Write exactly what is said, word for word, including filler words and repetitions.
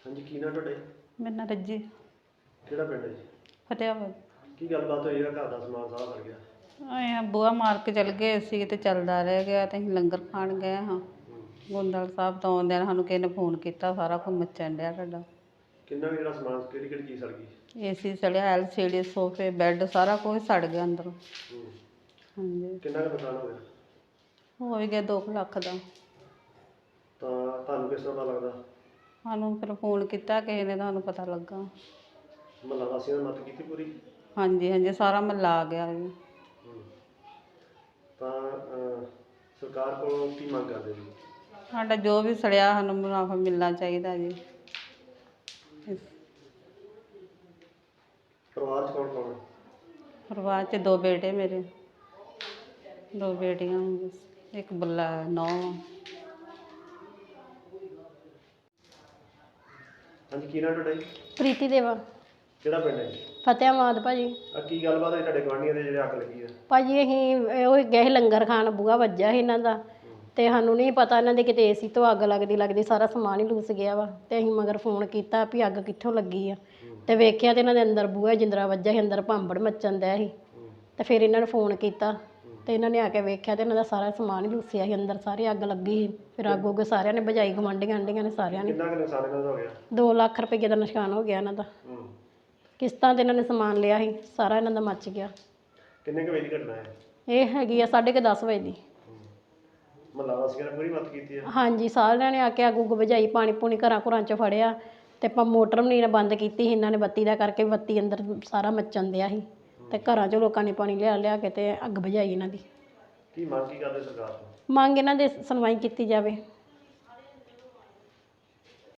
ਹਾਂਜੀ ਕੀ ਨਾਂ ਤੁਹਾਡਾ ਜੀ? ਮੇਰਾ ਨਾਂ ਰੱਜੀ। ਕਿਹੜਾ ਪਿੰਡ ਹੈ ਜੀ? ਫਤਿਆਬਾਦ। ਕੀ ਗੱਲਬਾਤ ਹੋਈ ਜਿਹੜਾ ਘਰ ਦਾ ਸਮਾਨ ਸਾਰਾ ਸੜ ਗਿਆ? ਅਸੀਂ ਬੂਹਾ ਮਾਰ ਕੇ ਚਲ ਗਏ ਸੀ ਤੇ ਚੱਲਦਾ ਰਹਿ ਗਿਆ ਤੇ ਅਸੀਂ ਲੰਗਰ ਖਾਣ ਗਏ ਹਾਂ। ਗੋਂਦਵਾਲ ਸਾਹਿਬ ਤੋਂ ਆਉਂਦਿਆਂ ਸਾਨੂੰ ਕਿਸੇ ਨੇ ਫੋਨ ਕੀਤਾ, ਸਾਰਾ ਕੁਝ ਮੱਚਣ ਡਿਆ ਤੁਹਾਡਾ। ਕਿੰਨਾ ਕੁ ਜਿਹੜਾ ਸਮਾਨ ਕਿਹੜੀ ਕਿਹੜੀ ਚੀਜ਼ ਸੜ ਗਈ? ਏ ਸੀ ਸੜਿਆ, ਐਲ ਸੀ ਡੀ, ਸੋਫੇ, ਬੈੱਡ, ਸਾਰਾ ਕੁਝ ਸੜ ਗਿਆ ਅੰਦਰੋਂ। ਹੂੰ। ਹਾਂਜੀ। ਕਿੰਨਾ ਕੁ ਨੁਕਸਾਨ ਹੋ ਗਿਆ? ਹੋ ਹੀ ਗਿਆ ਦੋ ਕੁ ਲੱਖ ਦਾ। ਤਾਂ ਤੁਹਾਨੂੰ ਕਿਸ ਤਰ੍ਹਾਂ ਦਾ ਲੱਗਦਾ? ਸਾਨੂੰ ਫਿਰ ਫੋਨ ਕੀਤਾ ਕਿਸੇ ਨੇ, ਤੁਹਾਨੂੰ ਪਤਾ ਲੱਗਾ। ਮੁਹੱਲਾ ਵਾਸੀਆਂ ਨੇ ਮਦਦ ਕੀਤੀ ਪੂਰੀ? ਹਾਂਜੀ ਹਾਂਜੀ, ਸਾਰਾ ਮਹੱਲਾ ਆ ਗਿਆ ਜੀ। ਹੂੰ। ਤਾਂ ਅਹ, ਸਰਕਾਰ ਕੋਲੋਂ ਕੀ ਮੰਗ ਕਰਦੇ ਜੀ? ਸਾਡਾ ਜੋ ਵੀ ਸੜਿਆ ਸਾਨੂੰ ਮੁਨਾਫਾ ਮਿਲਣਾ ਚਾਹੀਦਾ ਜੀ। ਇਸ- ਪਰਿਵਾਰ 'ਚ ਕੌਣ ਕੌਣ ਹੈ? ਪਰਿਵਾਰ 'ਚ ਦੋ ਬੇਟੇ ਮੇਰੇ, ਦੋ ਬੇਟੀਆਂ, ਇੱਕ ਬੱਲਾ ਨੌਂ। ਹਾਂਜੀ ਕੀ ਨਾਂ ਤੁਹਾਡਾ ਜੀ? ਪ੍ਰੀਤੀ ਦੇਵਾ। ਕਿਹੜਾ ਪਿੰਡ ਹੈ ਜੀ? ਫਤਿਆਬਾਦ ਭਾਜੀ। ਆ ਕੀ ਗੱਲਬਾਤ ਹੋਈ ਤੁਹਾਡੇ ਗੁਆਂਢੀਆਂ ਦੇ ਜਿਹੜੇ ਅੱਗ ਲੱਗੀ ਆ? ਭਾਜੀ ਅਸੀਂ ਉਹ ਗਏ ਸੀ ਲੰਗਰ ਖਾਣ, ਬੂਹਾ ਵੱਜਾ ਸੀ ਇਹਨਾਂ ਦਾ ਤੇ ਸਾਨੂੰ ਨਹੀਂ ਪਤਾ ਇਹਨਾਂ ਦੇ ਕਿਤੇ ਏਸੀ ਤੋਂ ਅੱਗ ਲੱਗਦੀ ਲੱਗਦੀ ਸਾਰਾ ਸਮਾਨ ਹੀ ਲੂਸ ਗਿਆ ਵਾ। ਤੇ ਅਸੀਂ ਮਗਰ ਫੋਨ ਕੀਤਾ ਵੀ ਅੱਗ ਕਿੱਥੋਂ ਲੱਗੀ ਆ ਤੇ ਵੇਖਿਆ ਤੇ ਇਹਨਾਂ ਦੇ ਅੰਦਰ ਬੂਹਾ ਜਿੰਦਰਾ ਵੱਜਾ ਸੀ, ਅੰਦਰ ਭਾਂਬੜ ਮੱਚਣ ਡਿਆ ਸੀ। ਤੇ ਫਿਰ ਇਹਨਾਂ ਨੂੰ ਫੋਨ ਕੀਤਾ ਤੇ ਇਹਨਾਂ ਨੇ ਆ ਕੇ ਵੇਖਿਆ ਤੇ ਇਹਨਾਂ ਦਾ ਸਾਰਾ ਸਮਾਨ ਹੀ ਲੂਸਿਆ ਸੀ, ਅੰਦਰ ਸਾਰੀ ਅੱਗ ਲੱਗੀ ਸੀ। ਫਿਰ ਅੱਗ ਉੱਗ ਸਾਰਿਆਂ ਨੇ ਬੁਝਾਈ, ਗੁਆਂਢੀਆਂ ਆਂਢੀਆਂ ਨੇ ਸਾਰਿਆਂ ਨੇ। ਕਿੰਨਾ ਕੁ ਨੁਕਸਾਨ ਇਹਨਾਂ ਦਾ ਹੋ ਗਿਆ? ਦੋ ਲੱਖ ਰੁਪਏ ਦਾ ਨੁਕਸਾਨ ਹੋ ਗਿਆ ਇਹਨਾਂ ਦਾ। ਹੂੰ। ਕਿਸ਼ਤਾਂ ਤੇ ਇਹਨਾਂ ਨੇ ਸਮਾਨ ਲਿਆ ਸੀ, ਸਾਰਾ ਇਹਨਾਂ ਦਾ ਮੱਚ ਗਿਆ। ਕਿੰਨੇ ਕੁ ਵਜੇ ਦੀ ਘਟਨਾ ਹੈ? ਇਹ ਹੈਗੀ ਆ ਸਾਢੇ ਕੁ ਦਸ ਵਜੇ ਦੀ। ਮੁਹੱਲਾ ਵਾਸੀਆਂ ਨੇ ਪੂਰੀ ਮਦਦ ਕੀਤੀ ਹੈ? ਹਾਂਜੀ, ਸਾਰਿਆਂ ਨੇ ਆ ਕੇ ਅੱਗ ਉੱਗ ਬੁਝਾਈ, ਪਾਣੀ ਪੂਣੀ ਘਰਾਂ ਘਰਾਂ 'ਚ ਫੜਿਆ ਤੇ ਆਪਾਂ ਮੋਟਰ ਵੀ ਨਹੀਂ ਬੰਦ ਕੀਤੀ ਸੀ ਇਹਨਾਂ ਨੇ ਬੱਤੀ ਦਾ ਕਰਕੇ, ਬੱਤੀ ਅੰਦਰ ਸਾਰਾ ਮੱਚਣ ਦਿਆ ਸੀ ਤੇ ਘਰਾਂ 'ਚੋਂ ਲੋਕਾਂ ਨੇ ਪਾਣੀ ਲਿਆ ਲਿਆ ਕੇ ਤੇ ਅੱਗ ਬੁਝਾਈ ਇਹਨਾਂ ਦੀ। ਕੀ ਮੰਗ ਕੀ ਕਰਦੇ ਸਰਕਾਰ ਤੋਂ? ਮੰਗ ਇਹਨਾਂ ਦੇ ਸੁਣਵਾਈ ਕੀਤੀ ਜਾਵੇ।